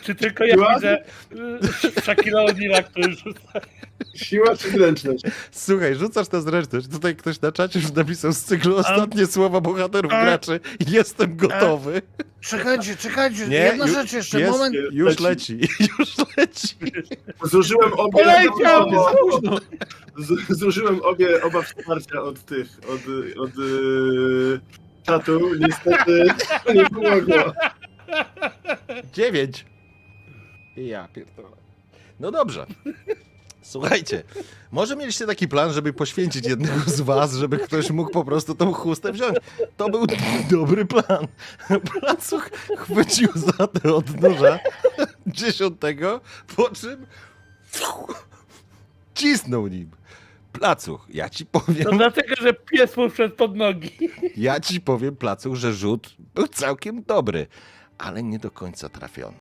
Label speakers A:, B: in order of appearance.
A: Czy tylko ja
B: Siła?
A: widzę Shaquille O'Neala, który rzuca?
B: Siła czy zręczność?
C: Słuchaj, rzucasz tę zręczność. Tutaj ktoś na czacie już napisał z cyklu ostatnie słowa bohaterów graczy. Jestem gotowy.
D: Czekajcie,
C: Nie,
D: jedna
C: ju-
D: rzecz jeszcze,
C: jest-
D: moment.
C: Już leci, już leci.
B: Zużyłem obie...
A: Poleciał! Za późno.
B: Zużyłem oba wsparcia od tych, od czatu. Niestety nie pomogło.
C: 9. Ja pierdolę. No dobrze. Słuchajcie, może mieliście taki plan, żeby poświęcić jednego z was, żeby ktoś mógł po prostu tą chustę wziąć. To był dobry plan. Placuch chwycił za tę od noża 10, po czym cisnął nim. Placuch, ja ci powiem,
A: To dlatego, że pies mu wszedł pod nogi.
C: Placuch, że rzut był całkiem dobry, ale nie do końca trafiony.